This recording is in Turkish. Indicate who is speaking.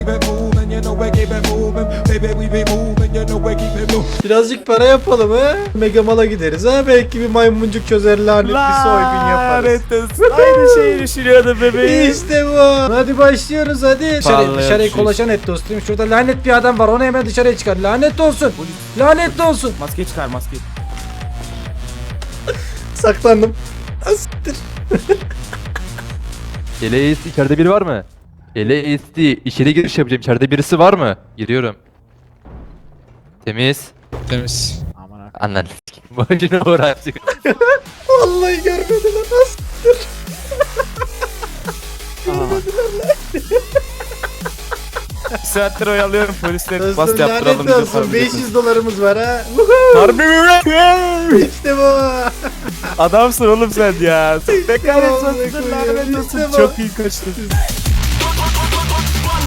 Speaker 1: Birazcık para yapalım ha. Mega Mall'a gideriz ha. Belki bir maymuncuk çözer, lanet bir soygun yaparız.
Speaker 2: Lanet olsun. Aynı şeyi düşünüyordum bebeğim.
Speaker 1: İşte bu. Hadi başlıyoruz hadi. Dışarıya kolaşan et dostum. Şurada lanet bir adam var. Onu hemen dışarıya çıkar. Lanet olsun. Lanet olsun.
Speaker 2: Maske çıkar maske.
Speaker 1: Saklandım. Asittir.
Speaker 3: LAS içeride biri var mı? LASD içeri giriş yapacağım. İçeride birisi var mı? Giriyorum. Temiz.
Speaker 4: Temiz.
Speaker 3: Anladın. Başına uğraştık.
Speaker 1: Vallahi görmediler. Asittir.
Speaker 2: Bir saattir oyalıyorum polisler. Bas
Speaker 1: Dostum
Speaker 2: yaptıralım.
Speaker 1: lanet
Speaker 2: bize
Speaker 1: olsun.
Speaker 2: tabii.
Speaker 1: 500 dolarımız var ha.
Speaker 2: Harbi mi?
Speaker 1: İşte bu.
Speaker 2: Adamsın oğlum sen ya. Sen ne
Speaker 1: Vallahi
Speaker 2: kahretsin.
Speaker 1: koyuyorum,
Speaker 2: Lanet
Speaker 1: işte
Speaker 2: olsun.
Speaker 1: bu.
Speaker 2: Çok iyi kaçtın.